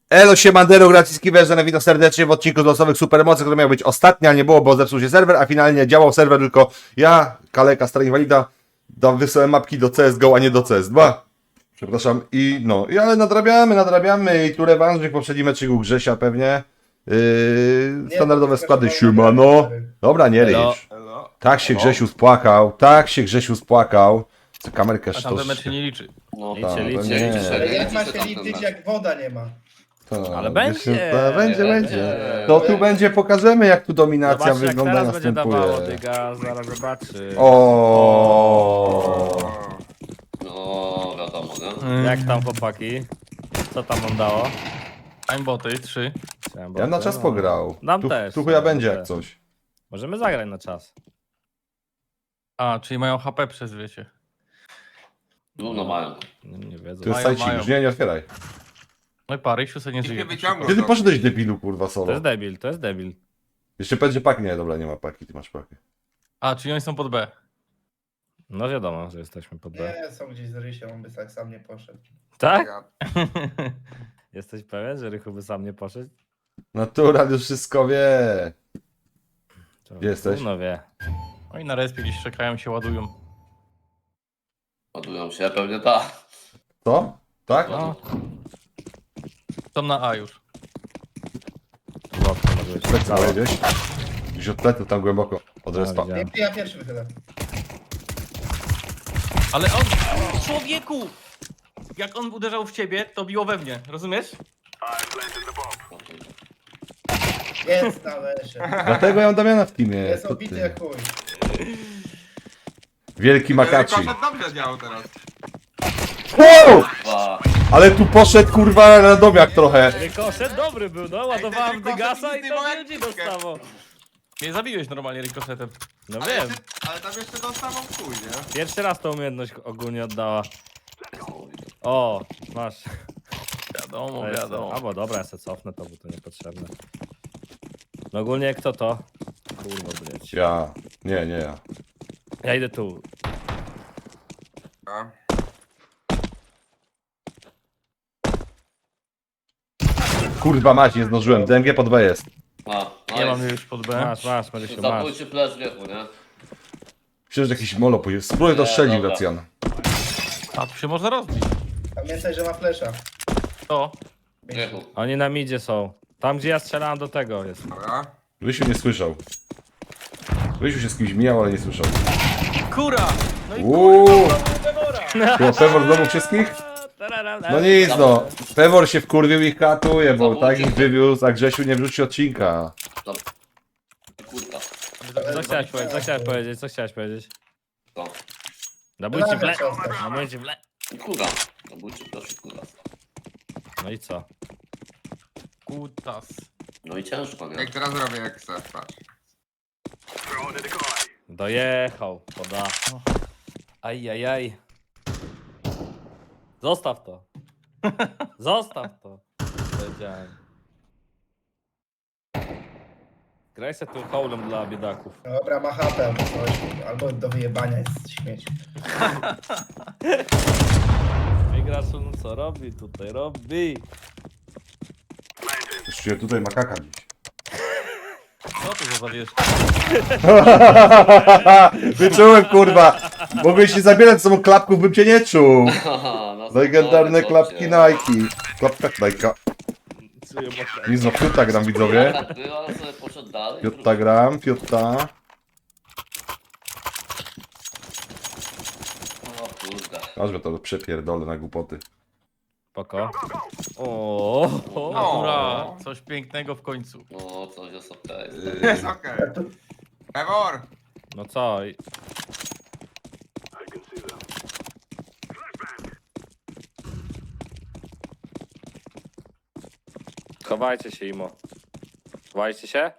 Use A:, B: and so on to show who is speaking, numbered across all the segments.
A: Elo siemandero, Graciski Węża, witam serdecznie w odcinku z losowych supermocy, który miał być ostatni, a nie było, bo zepsuł się serwer, a finalnie działał serwer tylko ja, Kaleka, stary inwalida, wysłałem mapki do CSGO, a nie do CS2. Przepraszam, ale nadrabiamy i tu rewanżyk, poprzedni meczyk Grzesia pewnie. Standardowe składy, siemano. Dobra, nie ryż. Tak się Grzesiu spłakał. Co kamerkę
B: A tamten mecz
A: sztos.
B: się nie liczy.
C: No,
A: Nie.
D: Ale jak ma się liczyć, jak woda nie ma?
B: Ale będzie.
A: Będzie. To tu będzie, pokażemy jak tu dominacja
B: Zobacz, jak
A: wygląda,
B: teraz będzie dawało,
A: następuje.
B: dyga, zaraz zobaczy.
A: O.
C: No, wiadomo, nie?
B: Jak tam chłopaki? Co tam wam dało?
E: Aimboty 3.
A: Ja na czas pograł.
B: Nam
A: Tu,
B: też.
A: tu chuja
B: nam
A: będzie
B: też.
A: jak coś.
B: Możemy zagrać na czas.
E: A, czyli mają HP przez, wiecie.
C: No mają.
B: Nie wiedzą.
A: Tu jest
E: Mają,
A: sajcik,
E: mają.
A: już nie otwieraj.
E: No i Parysiu sobie nie żyje.
A: Gdzie ty poszedłeś debilu, kurwa,
B: To
A: solo?
B: jest debil, to jest debil.
A: Jeszcze będzie pak, nie, dobra, nie ma paki, ty masz pakę.
E: A, czyli oni są pod B.
B: No wiadomo, że jesteśmy pod B.
D: Nie, są gdzieś z Rysiem, on by tak sam nie poszedł.
B: Tak? Jesteś pewien, że Rychu by sam nie poszedł?
A: Natural już wszystko wie.
B: To
A: Gdzie jesteś?
B: No wie.
E: Oni na respie gdzieś czekają, się ładują.
C: Ładują się, pewnie tak.
A: Co? Tak?
E: No. Są na A już.
B: Łatwo może być.
A: Tak całe gdzieś. Gdzieś od pletu tam głęboko. Od respa.
B: widziałem.
D: Ja pierwszy wychylę.
E: Ale on... Człowieku! Jak on uderzał w ciebie, to biło we mnie. Rozumiesz?
D: Jest na lesie.
A: Dlatego ja mam Damiana w teamie.
D: Jest
A: To
D: obity
A: ty.
D: jak chuj.
A: Wielki Makaci.
F: Koszet dobrze działał teraz.
A: Wow!
C: Dwa.
A: Ale tu poszedł kurwa radomiak trochę.
B: Rykoszet dobry był, no ładowałem
F: Ej, ten
B: dygasa
F: Rykoshet
B: i
F: nic
B: to
F: nie ma
B: ludzi
F: jak piłkę.
B: dostało.
E: Mnie zabiłeś normalnie rikoszetem.
B: No
F: Ale,
B: wiem,
F: ale tam jeszcze dostawał chuj, nie?
B: pierwszy raz tą umiejętność ogólnie oddała. O, masz.
E: Wiadomo,
B: To jest-
E: wiadomo.
B: Albo dobra, ja se cofnę to, bo to niepotrzebne. No ogólnie kto to? Kurwa, bleć.
A: Ja. Nie ja.
B: Ja idę tu.
F: A.
A: Kurwa mać, nie zdążyłem. DMG pod B jest.
E: Nie mam już pod B.
B: Masz, Marysiu, masz.
C: Zabójczy flash wieku, nie?
A: Myślę, że jakiś molo pójdzie. Spróbuj to
C: Nie,
A: strzelić,
C: dobra.
A: Gracjan.
E: A, tu się można rozbić.
D: Pamiętaj, że ma flesza.
E: To.
C: Wieku.
B: Oni na midzie są. Tam gdzie ja strzelałem do tego jest.
F: Dobra.
A: Rysiu nie słyszał. Rysiu się z kimś mijał, ale nie słyszał.
E: Kura! No i
A: Uuu.
E: Pewora!
A: Było Pewor znowu wszystkich? No nic no. Pewor się wkurwił i katuje, bo tak ich wywiózł, a Grzesiu nie wrzuci odcinka.
C: Kurka.
B: Co chciałeś powiedzieć? Co chciałeś powiedzieć? Co chciałeś powiedzieć?
C: To.
B: Zabójcie w le...
D: Przestań.
B: Zabójcie w le...
C: Kurka. Zabójczy flash kurka.
B: No i co?
E: Kutas.
C: No i ciężko, nie?
F: Jak teraz robię, jak chcę, patrz.
B: Dojechał, poda. Ajajaj. Zostaw to. Zostaw to. Powiedziałem. Graj se tu hołlem dla biedaków.
D: Dobra, ma chatę albo coś. Albo do wyjebania jest śmieć.
B: Migraczu, no co robi tutaj? Robi.
A: Już czuję tutaj makaka dziś.
E: Co to za zawiesz?
A: Wyczułem kurwa. Mogłeś się zabierać z sobą klapków, bym cię nie czuł.
C: Haha, no
A: Legendarne
C: spokojnie,
A: klapki
C: chłopcie.
A: Nike. Klapka Nike.
B: Czuję mocno.
A: Nic no, Fiuta gram widzowie.
C: Tak było, ale sobie poszedł dalej.
A: Fiuta gram, Fiuta.
C: O kurde.
A: Aż to przepierdolę na głupoty.
B: Spoko. O.
E: Natura, coś pięknego w końcu.
C: No, coś jest okej.
F: Jest okej. Pewor!
B: No co? Chowajcie się, Imo. Chowajcie się?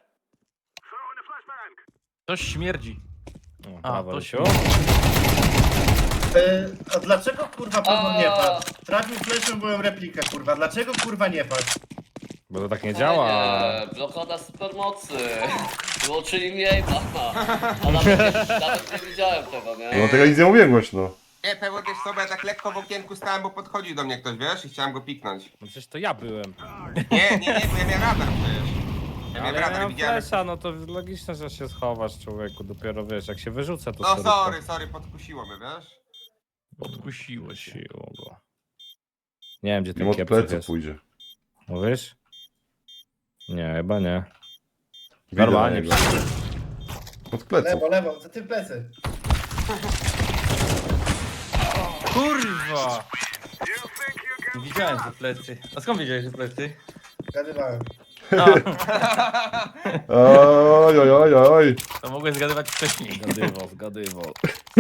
E: Coś śmierdzi.
B: O,
E: A,
B: brawo,
E: to
B: Rysiu.
D: A dlaczego kurwa Pewor nie padł? Trafił fleszem, byłem replikę kurwa. Dlaczego kurwa nie padł?
B: Bo to tak nie działa.
C: Nie, blokada supermocy. Wyłączyli mnie i mama. A nawet nie widziałem tego, nie?
A: No tego nic nie mówię głośno.
F: Nie, Pewor też sobie tak lekko w okienku stałem, bo podchodził do mnie ktoś, wiesz? I chciałem go piknąć.
B: No przecież to ja byłem.
F: Nie, bo ja miałem radar przecież. Ja miałem
B: Ale ja
F: radar,
B: mam
F: widziałem.
B: flesza, no to logiczne, że się schowasz, człowieku. Dopiero wiesz, jak się wyrzucę, to
F: No
B: sobie
F: sorry, podkusiło mnie, wiesz?
E: Podkusiło się.
B: siło go. Nie wiem, gdzie
A: Im
B: ten
A: od
B: kiepców
A: pleców
B: jest.
A: pójdzie.
B: Mówisz? Nie, chyba nie.
A: Widzę
B: Normalnie.
A: na niego. Od pleców.
D: Lewo, za tym plecy.
E: Kurwa! Widziałem, że plecy. A skąd wiedziałeś, że plecy?
D: Gadywałem.
A: Oj, oj, oj, oj.
E: To mogłeś zgadywać wcześniej.
B: Zgadywał.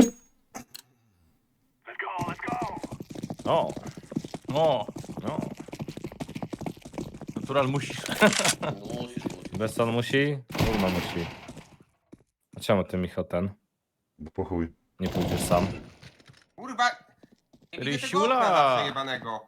B: O,
E: O,
B: no.
E: natural musisz.
C: No musisz.
B: Besson musi? Równo musi. A czemu ty, Michał, ten?
A: Bo po chuj.
B: Nie pójdziesz sam?
F: Kurwa! Nie widzę tego
E: Rysiula!
F: okna zawsze jebanego.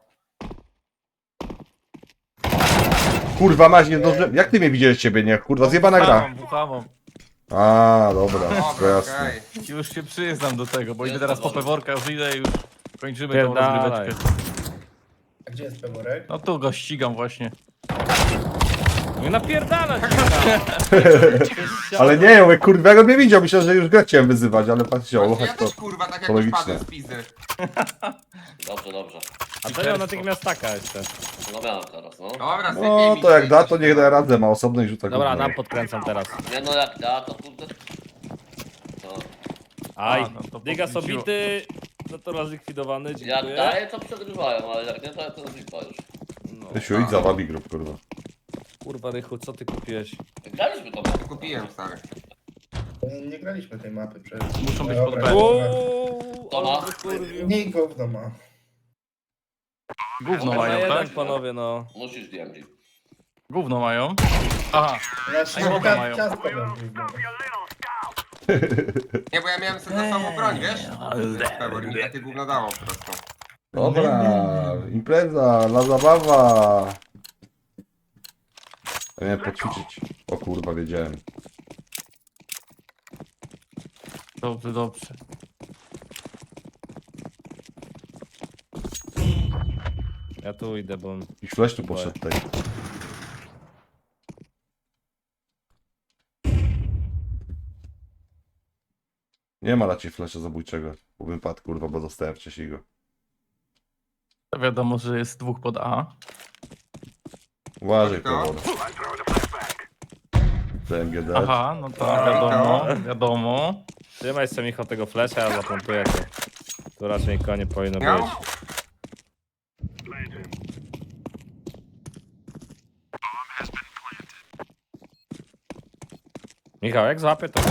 A: Kurwa, masz nie zdążyłem. Jak ty mnie widziałeś ciebie, nie? Kurwa, zjebana gra.
E: Buchamą.
A: A, dobra, to
F: Dobra,
A: jasne.
F: okej.
E: Już się przyznam do tego, bo idę
C: Jest
E: teraz po
C: powoli.
E: peworka, już idę i już kończymy tą
B: Pierdalaj.
E: rozgryweczkę.
D: A gdzie jest Peworek?
E: No tu go ścigam właśnie.
B: Nie napierdalać!
A: Ale nie, jak kurwa, jak on mnie widział, myślałem, że już grę chciałem wyzywać, ale pan chciał,
F: Właśnie ja
A: chodź to.
F: też kurwa tak
A: to
F: jak już
A: logiczne.
F: padłem z pizdy.
C: Dobrze.
B: A to miał natychmiast taka jeszcze.
C: No miałem teraz, no.
F: Dobra, sypie
A: No,
F: mi
A: to jak
F: się,
A: da, to
F: się
A: niech da radę, ma osobny i rzuca
B: Dobra,
A: gówno.
B: nam podkręcam teraz.
C: Nie no jak da, to kurde. No.
B: Aj,
E: no to
B: Digas
E: podkręciło.
B: obity, natural zlikwidowany,
C: Jak
B: dziękuję.
C: daje, to przegrywają, ale jak nie, to jest lipa już.
B: No.
A: Rysiu, idź za wabi grup, kurwa.
B: Kurwa, Rychu, co ty kupiłeś?
C: Graliśmy to.
F: Kupiłem, stary.
D: Nie graliśmy tej mapy przecież.
E: Muszą być
D: Dobra,
E: pod B.
D: dobra.
C: To ma.
B: Kurwił.
D: Nie gówno ma.
E: Gówno
B: Na
E: mają,
B: jeden,
E: tak?
B: panowie, no.
C: Musisz DMG.
E: Gówno mają. Aha,
D: Znaczy,
E: A woda mają.
D: ciastko mam gówno.
F: Nie, bo ja miałem sobie za sobą broń, wiesz? Pewor, mi takie gówno dało po prostu.
A: Dobra, impreza, la zabawa. Ja miałem poćwiczyć. O kurwa, wiedziałem.
E: dobrze.
B: Ja tu idę, bo...
A: I flash tu poszedł tutaj. Nie ma raczej flasha zabójczego. Bo bym padł, kurwa, bo dostałem wcześniej go.
E: To wiadomo, że jest dwóch pod A.
A: Uważaj,
F: To?
A: Pewor. TMGD.
E: Aha, no to wiadomo.
B: Trzymaj sobie, Michał, tego flesza, ja zaplantuję to. Tu raczej nikogo nie powinno
F: Miał?
B: być. Michał, jak złapię to...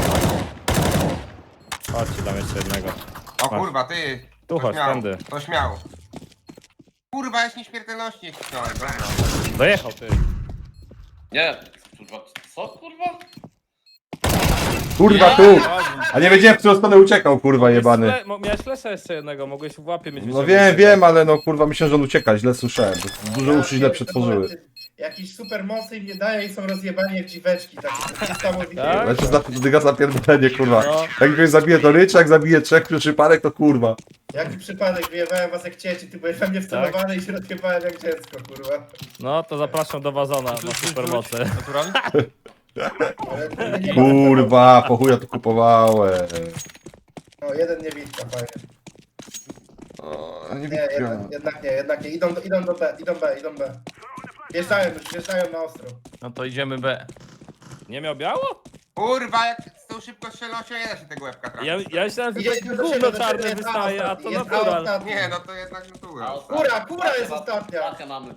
B: Chodź, ci dam jeszcze jednego.
F: O kurwa, ty.
B: Tu
F: To
B: chodź,
F: śmiało,
B: tędy.
F: to śmiało. Kurwa, jest nieśmiertelności nie kliknąłem, dobra.
B: Dojechał, ty.
C: Nie, kurwa, co kurwa?
A: Kurwa, tu! A nie wiedziałem, w którą stronę uciekał, kurwa, jebany.
B: Miałeś flesza jeszcze jednego, mogłeś w łapie mieć.
A: No wiem, ale no kurwa, myślałem, że on ucieka, źle słyszałem. Dużo uszy źle przetworzyły.
D: Jakiś super mocy im nie daje i są rozjebani jak dziweczki, tak niesamowite.
B: Tak?
A: Ale to dyga zapierdolenie, kurwa.
B: No.
A: Jak ktoś zabije to rycz, jak zabije trzech przypadek, to kurwa.
D: Jaki przypadek, wyjebałem was jak cieci, ty byłeś we mnie wcelowany i się rozjebałem jak dziecko, kurwa.
B: No to zapraszam do Wazona na supermocy.
E: Natural?
D: Ale to nie-
A: Kurwa, po chuja to kupowałem.
D: No, jeden niewidka, fajnie.
A: O, nie
D: Nie,
A: widziałem.
D: jednak nie. Idą do B, idą B. Wjeżdżają na ostro.
E: No to idziemy B.
B: Nie miał biało?
F: Kurwa, jak z tą szybko strzelnością nie da się tego łebka trafić.
B: Ja myślałem, że
D: Idzie
B: takie
D: do
B: gówno
D: siebie,
B: czarne
D: jest
B: wystaje, a
D: ostatni,
B: to
D: jest
B: natural.
D: ostatni.
F: Nie, no to jednak natura.
D: Kura jest ostatnia.
C: Pakę mamy.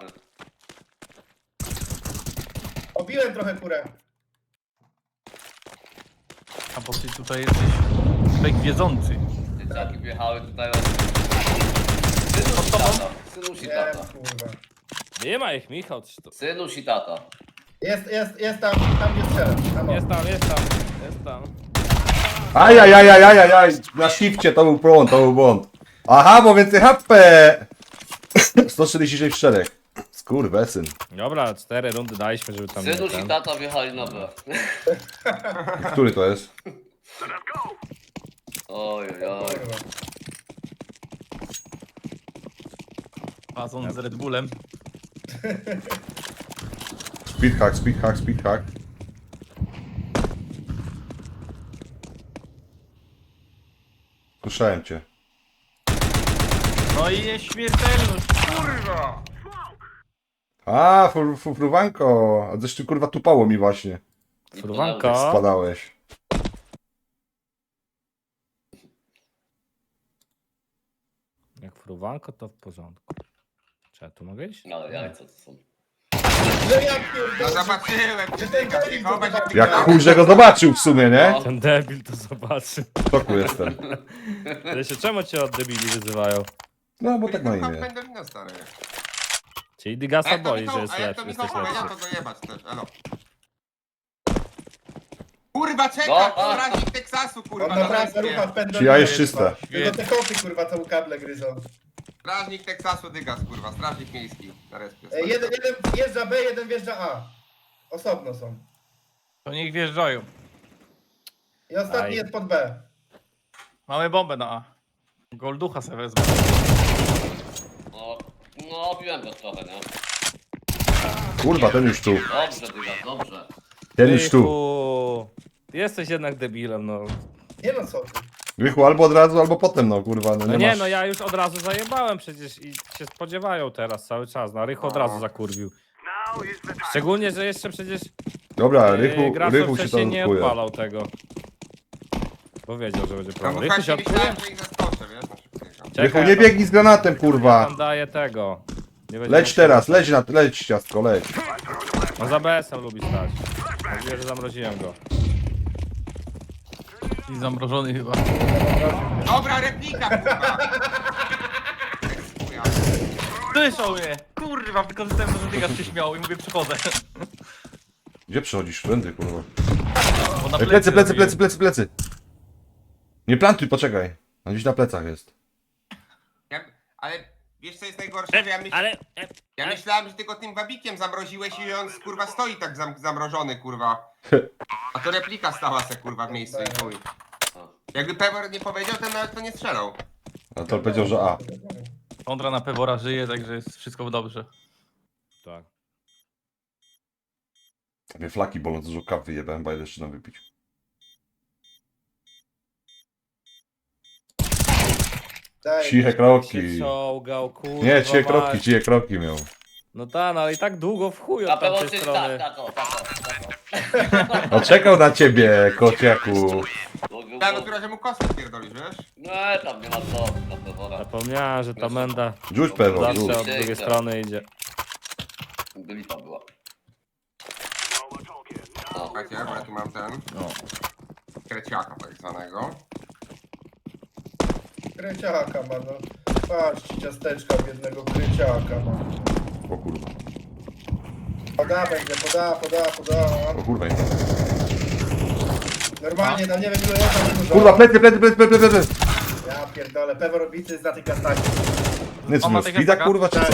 D: Obiłem trochę kurę.
E: A bo ty tutaj jesteś fake wiedzący.
C: Dzieciaki wjechały tutaj od... Synuś i
D: Nie,
C: tata.
D: kurwa.
B: Nie ma ich, Michał. Czy to...
C: Synuś i tata.
D: Jest tam gdzie strzelam. Tam,
B: Jest tam.
A: Ajajajajajaj, na shifcie to był błąd. Aha, bo więcej HP! 146 w szereg. Skurwesyn.
B: Dobra, 4 rundy daliśmy, żeby tam nie
C: Synuś i
B: ten.
C: tata wjechali na B.
A: Który to jest?
C: Oj.
D: kurwa.
E: Pazon z Red Bullem.
A: Speedhack, speedhack, speedhack. Słyszałem cię.
E: No i nieśmiertelność.
F: Kurwa!
A: A, fruwanko. A coś ty kurwa tupało mi właśnie.
C: Nie
B: Fruwanko.
C: podałeś.
A: Spadałeś.
B: Jak fruwanko, to w porządku. Czy ja tu mogę iść?
C: Ale jajca to są.
D: No ja
F: No
D: pierdolę.
F: zobaczyłem,
D: Że
F: czy
D: ten
F: ty
D: Kevin to
F: chować
D: chyba-
A: Jak chuj, że go zobaczył w sumie, nie?
C: No.
B: Ten debil to zobaczy.
A: W szoku jestem.
B: Ale się czemu cię od debili wyzywają?
A: No, bo tak ma imię.
F: Pendolino, stary.
B: Czyli
F: A
B: Digasa
F: jak to
B: boi, że
F: Michał,
B: jest
F: a jak to
B: lepszy,
F: Michał
B: jesteś
F: powiedział,
B: lepszy.
F: to dojebać też, elo. Kurwa,
C: No,
F: czekaj,
C: a.
F: strażnik Teksasu, kurwa,
D: On
F: na
D: naprawdę rucha w
F: respie.
D: pendolino.
A: Czy ja jest czyste?
D: Tylko te koty kurwa całą kablę gryzą.
F: Strażnik Teksasu, Dygas, kurwa, strażnik miejski na respie.
D: Jeden wjeżdża B, jeden wjeżdża A. Osobno są.
E: To niech wjeżdżają.
D: I ostatni
B: Aj.
D: jest pod B.
E: Mamy bombę na A. Golducha sobie wezmę.
C: No, obiłem go trochę, nie?
A: Kurwa, ten już tu.
C: Dobrze, Dyga, dobrze.
A: Ten już tu.
B: Rychu, jesteś jednak debilem, no.
D: Nie no co ty.
A: Rychu albo od razu, albo potem, no kurwa. No,
B: No
A: nie,
B: nie,
A: masz...
B: no ja już od razu zajebałem przecież i się spodziewają teraz cały czas. No Rychu od razu zakurwił. Szczególnie, że jeszcze przecież
A: Dobra, Rychu,
B: Gracz
A: Rychu się
B: wcześniej
A: tam
B: nie
A: odkuje.
B: odpalał tego. Powiedział, że będzie
F: No
B: problem.
F: bo
B: Rychu się
F: właśnie
B: odkuje?
F: myślałem, że ich zaskoczę, wiesz, na szybkiego.
A: Rychu,
B: Czekaj,
A: nie biegnij z granatem, kurwa.
B: tam daje tego. Nie będzie
A: Leć
B: mógł-
A: teraz, leć ciastko, leć.
B: No za BS-em lubi stać. Mówię, że zamroziłem go.
E: I zamrożony chyba.
F: Dobra, replika, kurwa. Chuja.
E: Słyszał mnie! Kurwa, wykorzystałem to, że Dygas się śmiał i mówię przychodzę.
A: Gdzie przechodzisz? Wszędzie, kurwa.
E: Bo na
A: Ej, plecy, plecy,
E: robiłem.
A: plecy. Nie plantuj, poczekaj. On gdzieś na plecach jest.
F: Ale wiesz co jest najgorsze, że ja myślałem, że ty go tym wabikiem zamroziłeś i on kurwa stoi tak zamrożony, kurwa. A to replika stała se kurwa w miejscu i chuj. Jakby Pevor nie powiedział, to nawet to nie strzelał.
A: A to powiedział, że A.
E: Kondra na Pewora żyje, także jest wszystko dobrze.
B: Tak.
A: Mnie flaki bolą, dużo kawy wyjebałem, bo jeszcze nam wypić.
D: Daj.
A: Ciche
B: Się
A: kroki.
B: czołgał, kurwa.
A: Nie, ciche kroki,
B: mać.
A: ciche kroki miał.
B: No tak, no ale i tak długo w chuj
C: Na
B: od
C: pewno
B: tamtej
C: się
B: strony.
C: tak, tak.
A: No czekał na ciebie, kociaku.
F: Ja dopiero, że mu kostkę pierdolisz, wiesz?
C: No, tam nie ma co, na pewno.
B: Zapomniałem, że ta menda
A: Rzuć pewno,
B: zawsze
A: rzuć.
B: od drugiej strony idzie.
C: Lipa była.
F: Słuchajcie, bo ja tu mam ten. Kreciaka tak zwanego.
D: Kręciaka ma no. Patrzcie, ciasteczka biednego kręciaka ma.
A: O kurwa,
D: Poda będzie, poda.
A: o kurwa.
D: Normalnie, tam nie wiem ile jest, ale dużo.
A: Kurwa, plecy.
D: Ja pierdolę, Pewor robicy z na tych kastach.
A: Nie co,
E: On ma
A: no
E: takie
A: spida
E: taka-
A: kurwa, czy co?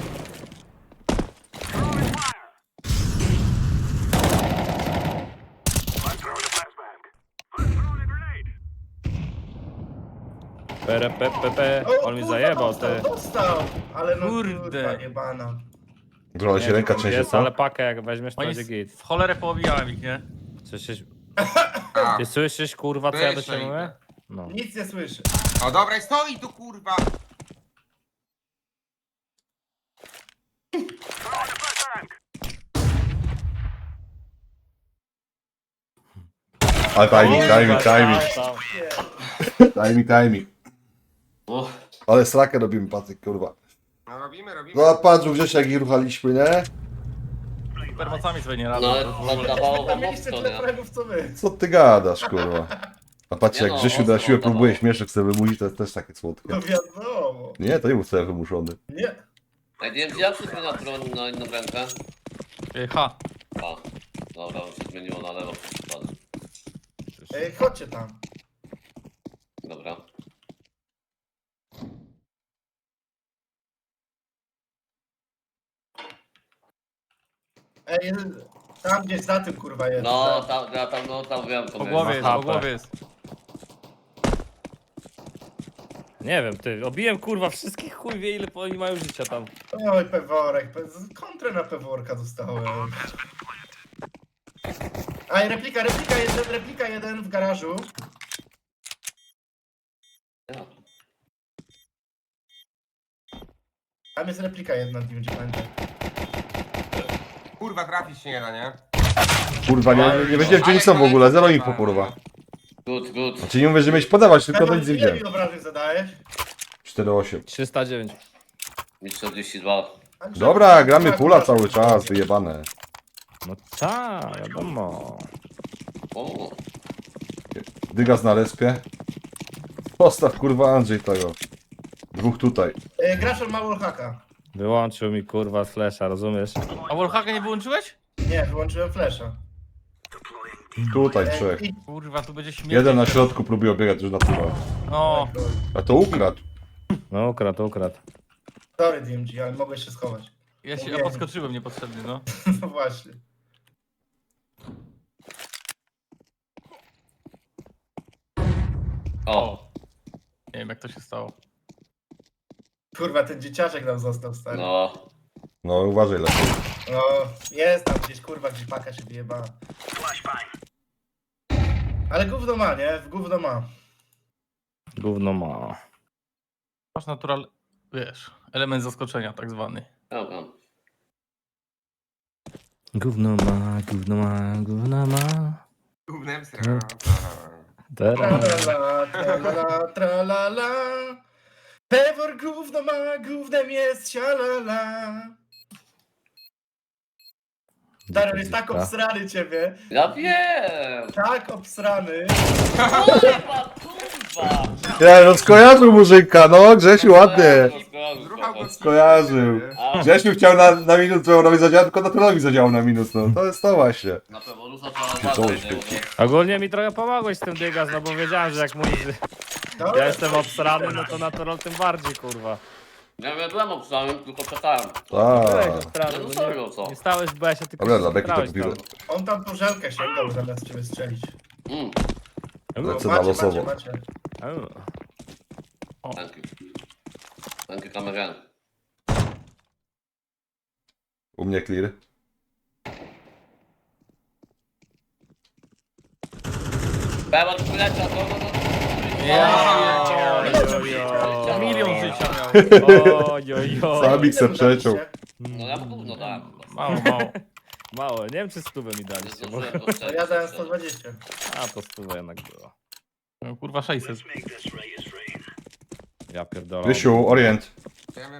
B: Perepepepe, on mi
D: kurwa,
B: zajebał, ty.
D: dostał, ale no
E: Kurde.
D: kurwa jebana.
A: Trochę się ręka trzęsie,
B: Jest,
A: co?
B: ale pakę jak weźmiesz, to
E: Oni
B: będzie git.
E: w cholerę poobijałem ich, nie?
B: Słyszysz,
F: A.
B: ty słyszysz, kurwa, co ja do
F: Słyszę
B: ciebie
F: ich.
B: mówię? No.
D: Nic nie słyszy.
F: O dobra, i stoi tu kurwa.
A: Ale timing. Timing.
C: Uff.
A: Ale strakę robimy, Patryk, kurwa.
F: No robimy.
A: No patrz, Grzesiek, jak ich ruchaliśmy, nie?
E: Supermocami sobie nie radzą.
C: No ale
E: to w ogóle.
C: dawało
D: Tam
C: wam
D: mieliście
C: mocno,
D: tyle
C: nie?
D: fragów co my.
A: Co ty gadasz, kurwa? A patrz,
C: Nie
A: jak
C: no,
A: Grzesiu na
C: ostro
A: siłę
C: dawało.
A: próbuje śmieszek sobie wymusić, to jest też takie słodkie.
D: No wiadomo.
A: Nie, to nie był sobie wymuszony.
D: Nie.
C: Ej, nie wiem, czy jak się zmienia broń na inną rękę?
E: Ha.
C: A, dobra, już się zmieniło na lewo.
D: Ej, chodźcie tam.
C: Dobra.
D: Ej, tam gdzieś za tym kurwa jest.
C: No, tam wiem, co
E: Po
C: miałem.
E: głowie jest,
B: HP.
E: po głowie jest.
B: Nie wiem, ty, obiłem kurwa wszystkich, chuj wie ile oni mają życia tam.
D: Oj, peworek, kontrę na peworka dostałem. Aj, replika jeden w garażu. Tam jest replika jedna, nie będzie pamiętać.
F: Kurwa, trafić się nie da, nie?
A: Kurwa, nie wiedziałem gdzie oni są w ogóle, zero info kurwa.
C: Good, good.
A: Znaczy nie mówię, że mieć podawać, tylko to nic nie
D: Ile
A: widziałem.
D: mi obrażeń zadajesz?
A: 4-8.
B: 309.
C: Mi 42.
D: Andrzej,
A: Dobra, gramy
D: tak,
A: pula
D: tak,
A: cały
D: tak.
A: czas, wyjebane.
B: No tak, wiadomo.
C: O,
A: Dygas na respie. Postaw kurwa Andrzej tego. Dwóch tutaj.
D: Grasz od wallhacka.
B: Wyłączył mi kurwa flasha, rozumiesz?
E: A wallhacka nie wyłączyłeś?
D: Nie, wyłączyłem flasha.
A: Tutaj trzech.
D: I...
E: Kurwa, tu będzie śmierć.
A: Jeden na środku próbuje biegać już na tyła.
E: O,
A: A to ukradł.
B: No ukradł.
D: Sorry DMG, ale mogłeś się schować.
E: ja podskoczyłem niepotrzebnie, no.
D: No właśnie.
C: o,
E: Nie wiem jak to się stało.
D: Kurwa, ten dzieciaczek nam został stary.
C: no.
A: No uważaj lepiej.
D: No, jest tam gdzieś, kurwa, gdzieś paka się wyjebała. Ale gówno ma, nie? W gówno ma.
B: Gówno ma.
E: Masz natural, wiesz, element zaskoczenia tak zwany.
C: Dobra.
B: Gówno ma.
F: Gównem sra.
B: Teraz.
D: Tralala, tralala, tralala. Pewor gówno ma, gównem jest, sialala. Stary, jest tak obsrany ciebie.
C: Ja wiem!
D: Tak obsrany.
C: Kurwa, kurwa!
A: Ja no skojarzył murzyka, no Grzesiu ładnie.
F: Zruchał go
A: Skojarzył.
C: A,
A: Grzesiu chciał na minus Pełorowi zadziałać, tylko naturalowi zadziałał na minus, no. To jest to właśnie.
C: na pewno Lusa trzeba uważać, nie? Bo
B: Ogólnie mi trochę pomogłeś z tym dygas, no bo wiedziałem, że jak mój...
D: No,
B: Ja jestem obsrany, no to natural tym bardziej kurwa.
C: Ja byłem obstałem, tylko czekałem.
B: Byłeś
A: Tak.
B: obsrany,
C: No
B: bo
C: serio, co?
B: nie stałeś w besie, tylko
A: Dobra, dla Beki to
B: grałeś
A: kupiłem.
D: On tam po żelkę sięgał zamiast ciebie strzelić.
B: tam.
A: Lecę na losowo.
D: macie.
C: Dzięki. Dzięki kamerę.
A: U mnie clear.
C: Pewor wyleciał, no.
E: Ja milion życia miał.
B: Ojojoj.
A: Samik se przeciął.
C: No ja gówno dałem.
E: Mało.
B: Mało, nie wiem czy stówę mi
C: Nie
B: daliście, bo...
C: zdążyłem go strzelić.
D: Ja dałem 120.
B: A to stówę jednak było.
E: No, kurwa 600.
B: Ja pierdolę.
A: Grzesiu, orient.
F: Wiem.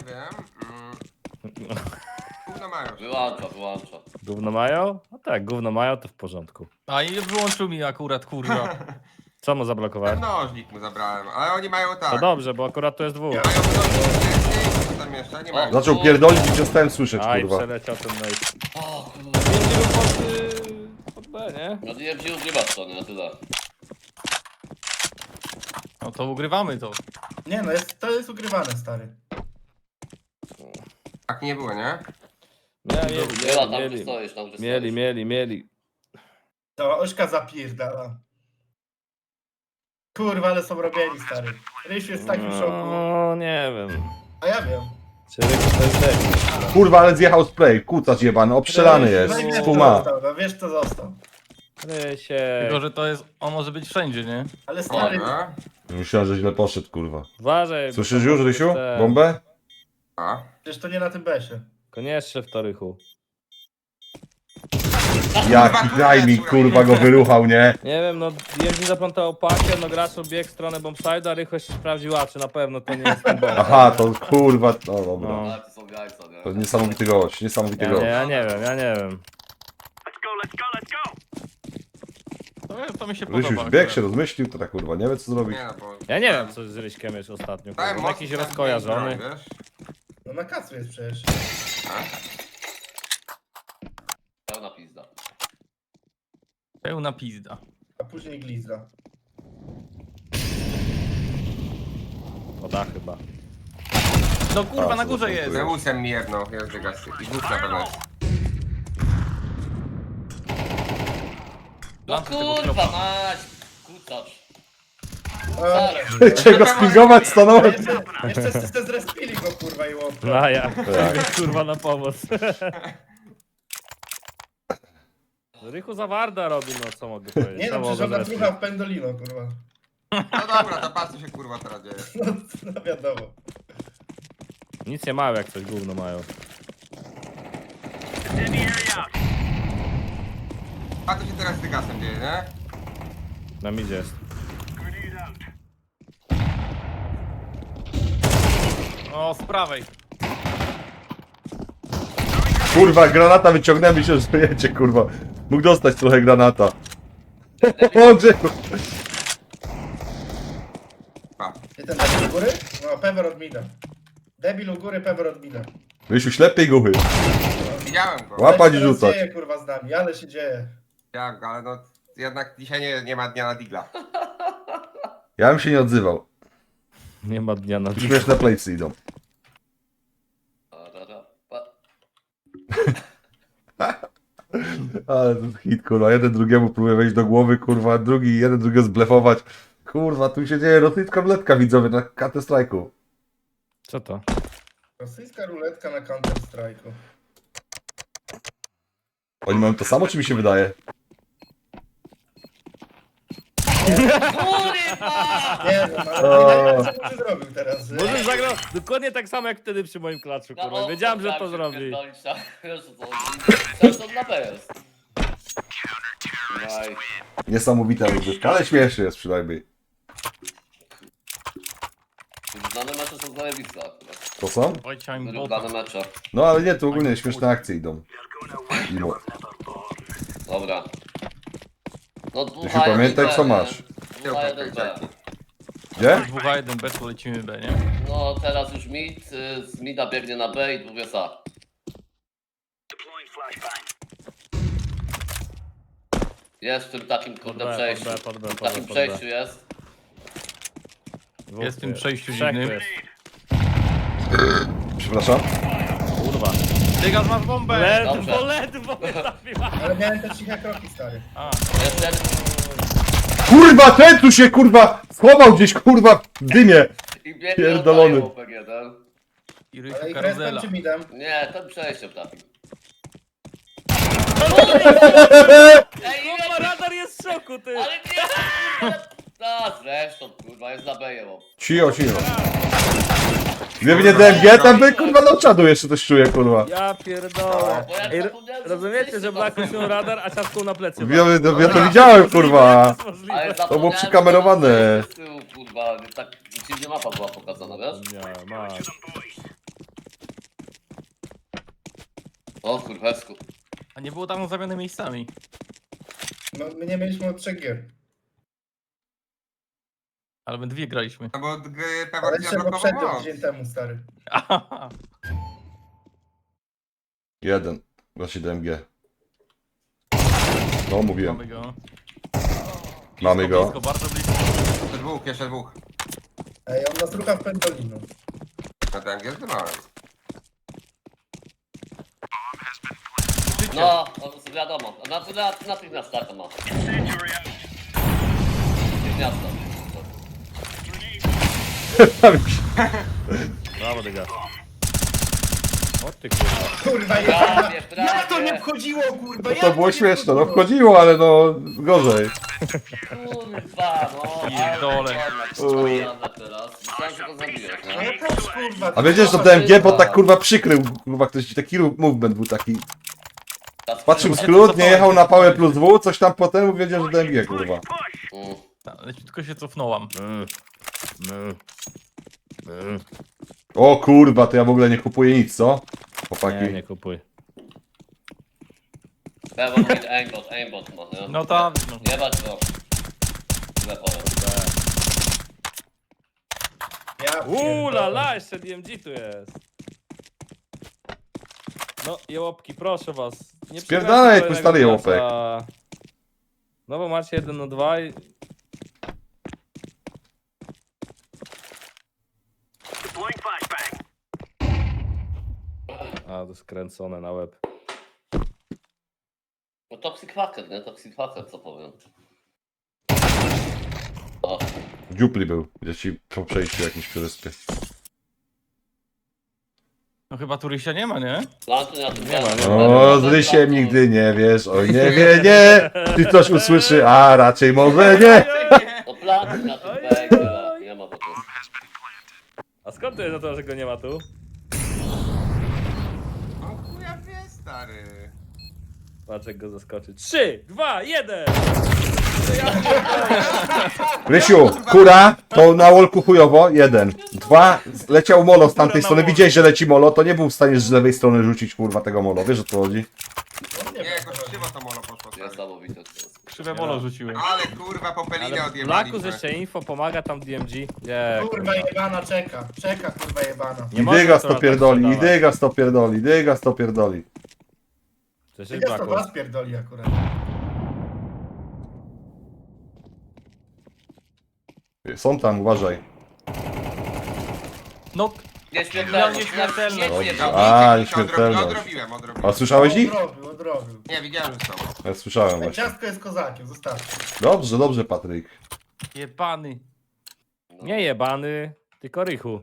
F: Gówno mają.
C: Wyłącza.
B: Gówno mają? No tak, gówno mają, to w porządku.
E: A i wyłączył mi akurat, kurwa.
B: Co mu zablokowałem?
F: Nożnik mu zabrałem, ale oni mają
B: To
F: tak.
B: dobrze, bo akurat to jest dwóch.
F: Mają nożnik, co tam jeszcze? Nie mają.
A: Zaczął pierdolić i przestałem słyszeć,
B: Aj,
A: kurwa.
B: przeleciał ten mail.
C: O kurwa.
B: Pod B, nie?
C: No nie wziął grywać to, nie? Tyle.
E: No to ugrywamy to.
D: Nie no, to jest ukrywane, stary.
F: Tak nie było, nie?
C: Grywa tam, gdzie stoisz, tam, gdzie stoisz.
B: Mieli.
D: To Ośka zapierdala. Kurwa, ale są robieni, stary. Rysiu jest w takim szoku.
B: No, nie wiem.
D: A ja wiem.
B: Czy Ryk to jest debil?
A: Kurwa, ale zjechał spray. Kucacz jebany, obstrzelany jest.
D: No i wiesz,
A: Z
D: kto
A: puma.
D: został, no wiesz, kto został.
B: Rysiek.
E: Tylko, że to jest, on może być wszędzie, nie?
D: Ale stary,
F: Dobra.
A: Myślałem, że źle poszedł, kurwa.
B: Uważaj.
A: Słyszysz już, Rysiu? Bombę?
F: A.
D: przecież to nie na tym besie.
B: Koniecznie w to Rychu.
A: Jaki timing, kurwa, go wyruchał, nie?
B: Nie wiem, no jeździ zaplątał pakę, no gracz biegł w stronę bombside'a, a Rychu jeszcze sprawdził, a czy na pewno to nie jest ten bomb.
A: Aha, to kurwa, no dobra.
B: No.
C: Ale to są jajca, nie?
A: To niesamowity gość, niesamowity gość.
B: Ja nie wiem.
E: To mi się podoba.
A: Rysiu już bieg
E: akurat.
A: się rozmyślił, to tak kurwa, nie wie co zrobić.
F: Nie no, bo...
B: Ja nie wiem, co z Ryśkiem jest ostatnio.
F: Dałem
B: Kurwa.
F: mocno
B: Jakiś
F: tam
B: rozkojarzony.
F: broń, wiesz?
D: No na kacu jest przecież.
C: Pełna pizda.
E: Pełna pizda.
D: A później glizda.
B: Woda chyba.
E: No kurwa,
A: A,
E: na
A: co
E: górze
A: to
E: jest.
A: tu
F: Zeusem mi jedno, jest dygasty. I dwóch na pewno jest.
C: No
E: Lampy tego
C: kurwa
E: tropa.
C: mać! Kucacz.
D: Ale,
A: Czego spingować stanąłem?
D: jeszcze ste zrespili go, kurwa, i łopka.
B: No ja, kurwa na pomoc. Rychu za Warda robi, no co mogę powiedzieć.
D: Nie no,
B: Co
D: przecież
B: mogę
D: ona
B: zresztą?
D: plucha w pendolino, kurwa.
F: No dobra, to patrz co się kurwa teraz dzieje.
D: No wiadomo.
B: Nic nie mają, jak coś gówno mają.
F: A co się teraz z Dygasem dzieje, nie?
B: Na midzie jest.
E: O, z prawej.
A: Kurwa, granata wyciągnąłem i się żyjecie, kurwa. Mógł dostać trochę granata. O, Grzechu.
F: Pa.
D: Gdzie ten debil u góry? No, Pewer od mida. Debil u góry, Pewer od mida.
A: Rysiu, ślepej guchy.
F: Widziałem go.
A: Łapać
D: Ale
A: i
D: się teraz
A: rzucać.
D: dzieje, kurwa, z nami, ale się dzieje.
F: Widziałem go, ale no jednak dzisiaj nie ma dnia na digla.
A: Ja bym się nie odzywał.
B: Nie ma dnia na dziś.
A: Śmieszne playsy idą. Ale to jest hit, kurwa. Jeden drugiemu próbuje wejść do głowy, kurwa. Drugi, jeden drugiego zblefować. Kurwa, tu się dzieje rosyjska ruletka, widzowie, na Counter Strike'u.
B: Co to?
D: Rosyjska ruletka na Counter Strike'u.
A: Oni mają to samo, czy mi się wydaje?
C: Kurwa!
D: Nie no,
A: O.
D: ale co ty zrobił teraz?
B: Może zagrał dokładnie tak samo jak wtedy przy moim klaczu, kurwa. Wiedziałem, że to zrobi.
C: Wiesz co, to dla B jest. Naj.
A: Niesamowita rozgrywka, ale śmieszny jest przynajmniej.
C: Znane mecze są zajebiste akurat.
A: To są?
E: Ojcia im bota.
C: Wyrównane mecze.
A: No ale nie, tu ogólnie śmieszne akcje idą. Mimo.
C: Dobra. No
A: Ty się pamiętaj, co masz.
C: 2-1 B.
A: Gdzie?
E: 2-1 B, to lecimy B, nie?
C: No teraz już mid, z mida biegnie na B i dwóch jest A. Jest w tym takim kurde
B: B,
C: przejściu.
B: pod B,
C: W
B: pod B,
C: takim
B: pod B.
C: przejściu jest.
E: Jest w tym przejściu
B: Trzech
E: dziwnym.
B: tu jest.
A: Przepraszam.
B: Kurwa.
E: Dygas, masz bombę!
C: Dobrze.
B: Ledwo mnie trafiła.
D: Ale miałem te ciche kroki, stary.
E: A,
C: Jest jeden
A: Kurwa, ten tu się, kurwa, schował gdzieś, kurwa, w dymie.
C: i biegnie
A: Pierdolony.
C: od OPG1.
E: i
D: Ale
E: Rychu
D: ich
E: karuzela.
D: respem czy midem?
C: Nie, ten przejściem trafił. Ej,
B: Kurwa, radar jest w szoku, ty.
C: ale nie! A zresztą kurwa, jest za B
A: Cicho, cicho. Gdyby nie DMG, tam by, kurwa, do czadu jeszcze coś czuje, kurwa.
B: Ja pierdolę.
C: Bo ja
B: Ej,
C: zapomniałem, że
B: rozumiecie,
C: jesteście
B: że Black miał radar, a ciastką na plecy.
A: Ja to widziałem, kurwa.
B: Jak to jest możliwe?
C: Ale
A: To było przykamerowane.
C: Z tyłu, kurwa, tak dziwnie mapa była pokazana, wiesz?
B: Nie, masz.
C: O kurwesku.
E: A nie było tam zamiany miejscami.
D: No, my nie mieliśmy od 3 gier.
E: Ale my dwie graliśmy.
F: No bo
D: Ale
F: pewnie
D: jeszcze
F: zablokował
D: poprzednio,
F: moc.
D: tydzień temu, stary.
E: Ahaha.
A: Jeden. Właśnie DMG. No, mówiłem.
E: Mamy go.
A: Mamy go.
E: Blisko, bardzo blisko.
F: Jeszcze dwóch.
D: Ej, on nas rucha w pendolino.
F: No tak, jest zdymałem.
C: No, wiadomo. Natychmiast taka ma. Natychmiast.
B: Brawo, dyga. O ty kurwa.
D: Kurwa,
C: Prawie,
D: jak to nie
C: prawie.
D: wchodziło, kurwa?
A: To było śmieszne, no wchodziło, ale no gorzej.
C: Kurwa, no.
E: Pierdolę.
C: Teraz. Myślałem, że go zabijesz,
D: No
C: nie?
D: też, kurwa.
A: A wiedziesz, że DMG, bo tak kurwa przykrył, kurwa ktoś taki movement był taki. Patrzył w skrót, nie jechał na pałę plus W, coś tam potem wiedział, że DMG, kurwa.
E: Leciutko się cofnąłam.
A: O kurwa, to ja w ogóle nie kupuję nic, co?
B: Nie,
A: Chłopaki.
B: nie kupuj.
C: Pewnie mieć aimbot ma, nie?
E: No tak. No.
C: Jebać go. Źle powiem.
D: Ja
B: La la, jeszcze DMG tu jest. No, jełopki, proszę was. Nie
A: Spierdalaj, jak
B: przegrajcie
A: stary
B: kolejnego
A: jełopek.
B: klasa. No bo macie 1 na 2 i... A, to skręcone na łeb.
C: No Toxic Hacker, nie? Toxic Hacker, co powiem. O, No.
A: Dziupli był, gdzie ci po przejściu jakimś przeryspie.
E: No chyba tu Rysia nie ma, nie?
C: Plantuj na tym
B: Nie ma, nie
C: plantu.
B: ma.
A: O, z Rysiem nigdy nie wiesz, oj nie wie, nie. Ty coś usłyszy, a raczej może nie.
C: No plantuj na tym węgla. Nie ma po prostu.
B: A skąd to jest na to, że go nie ma tu?
F: No chuja wie, stary.
B: Patrz jak go zaskoczy. 3, 2, 1!
A: Rysiu, kura, to na wolku chujowo, 1. 2, leciał molo z tamtej strony, widziałeś, że leci molo, to nie był w stanie z lewej strony rzucić, kurwa, tego molo, wiesz o co chodzi?
F: Nie, jakoś krzywo to molo poszło, stary.
C: Niesamowite to jest.
E: Krzywe molo rzuciłem.
F: Ale kurwa, popelinę
B: Ale
F: odjebaliśmy.
B: Blaku jeszcze info pomaga tam DMG. Nie,
D: Kurwa jebana czeka. Czeka kurwa jebana.
B: Nie
A: I
B: można
A: dygas
B: to
A: to
B: tak
A: pierdoli, i
B: sprzedawać.
A: dygas to pierdoli, dygas to pierdoli.
B: Przecież
D: Ja to
B: Blaku.
D: was pierdoli akurat.
A: Są tam, uważaj.
E: No,
C: Nieśmiertelność.
E: Nieśmiertelność.
A: A,
F: Odrobiłem,
A: śmiertelność.
F: odrobiłem.
A: A słyszałeś ich?
D: Odrobił.
F: Nie, widziałem, że są.
A: Ja słyszałem właśnie.
D: Ciastko jest kozakiem, zostawcie.
A: Dobrze, dobrze, Patryk.
E: jebany.
B: Nie jebany, tylko rychu.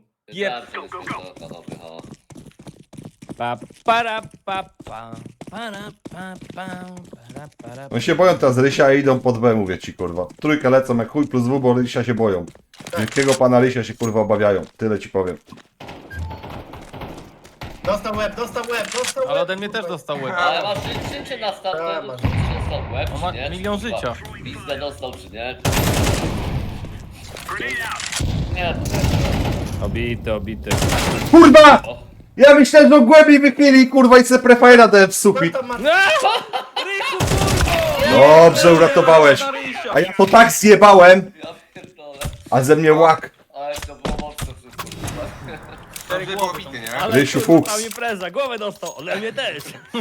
B: Pa, para, pa, pa, para, pa, pa, para, para.
A: Oni się boją teraz Rysia i idą pod B, mówię ci, kurwa. Trójkę lecą jak chuj plus W, bo Rysia się boją. Wielkiego pana Rysia się, kurwa, obawiają. Tyle ci powiem.
D: Dostał łeb, dostał łeb, dostał łeb.
E: Ale ode mnie też
D: kurwa.
E: dostał łeb.
C: Ale masz życie na
D: A,
C: startę,
D: masz.
C: czy dostał łeb,
E: On ma
C: czy nie?
E: milion
C: Kurwa,
E: życia.
C: Pizdę dostał, czy nie? Nie, to nie.
B: Obity, obity.
A: Kurwa!
C: O.
A: Ja myślałem, że głębiej wychylili, kurwa, i se prefire'a dałem w
D: Co
A: sufit.
D: tam ma...
B: No! Rychu, kurwa!
A: Dobrze, uratowałeś. A ja to tak zjebałem,
C: Ja pierdolę.
A: a ze mnie łak.
C: Ale to było mocno wszystko. kurwa.
F: Dobrze było bity, nie?
B: Ale
A: Rysiu
B: kurwa,
A: Fuchs.
B: tam impreza, głowę dostał, ale mnie też.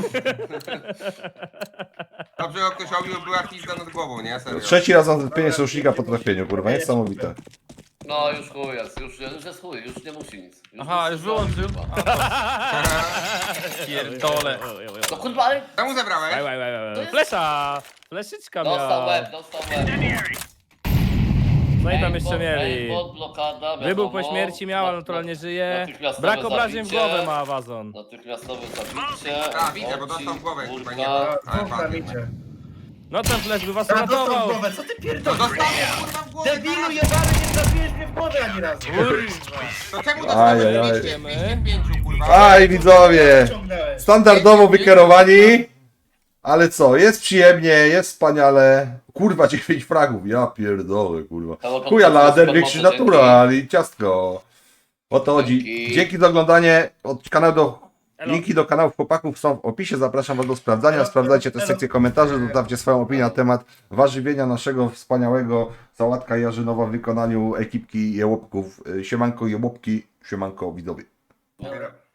F: Dobrze, że ktoś obił, była pizda nad głową, nie? Serio.
A: Trzeci raz mam zlepienie sojusznika po trafieniu, kurwa, niesamowite.
C: No już chuj jest, już jest chuj, już nie musi nic.
E: Aha,
C: nic
E: już
C: nie
E: wyłączył.
C: zrobi, kurwa.
E: Pierdole.
C: No kurwa, ale
F: Czemu zebrałeś?
B: Flesza! Fleszyczka
C: dostał
B: miała.
C: łeb, dostał łeb.
B: No i tam jeszcze mieli.
C: Aimbot, blokada,
B: Wybuch po
C: wiadomo.
B: śmierci miała, naturalnie żyje.
C: Natychmiastowe
B: Brak obrażeń w
C: zabicie.
B: głowę ma Wazon.
C: Natychmiastowe zabicie.
F: A, widzę, bo dostał w głowę,
C: kurka.
F: chyba nie.
D: A,
F: Ale
D: dwóch tam
F: padł.
D: idzie.
B: No ten flash by was
D: A, dostał w
B: uratował.
D: głowę, co ty
F: No
D: pierdolisz?
F: dostałem kurwa w głowę.
D: Debilu
F: zaraz.
D: jebany, nie trafiłeś mnie w głowę ani razu.
F: To czemu
A: Ajajaj.
F: dostałem 205, kurwa?
A: Aj, widzowie!
D: Ciągnąłeś.
A: Standardowo wykierowani. Ale co, jest przyjemnie, jest wspaniale. Kurwa, 9 fragów, ja pierdolę, kurwa. Chuja lader, większy natural i ciastko. O to chodzi.
C: Dzięki.
A: Dzięki za oglądanie. Od kanału do...
B: Elo.
A: Linki do kanałów chłopaków są w opisie. Zapraszam was do sprawdzania. Sprawdzajcie te sekcje komentarzy. Zostawcie swoją opinię na temat warzywienia naszego wspaniałego sałatka jarzynowa w wykonaniu ekipki Jełopków. Siemanko Jełopki, siemanko widowie.
C: Dobra.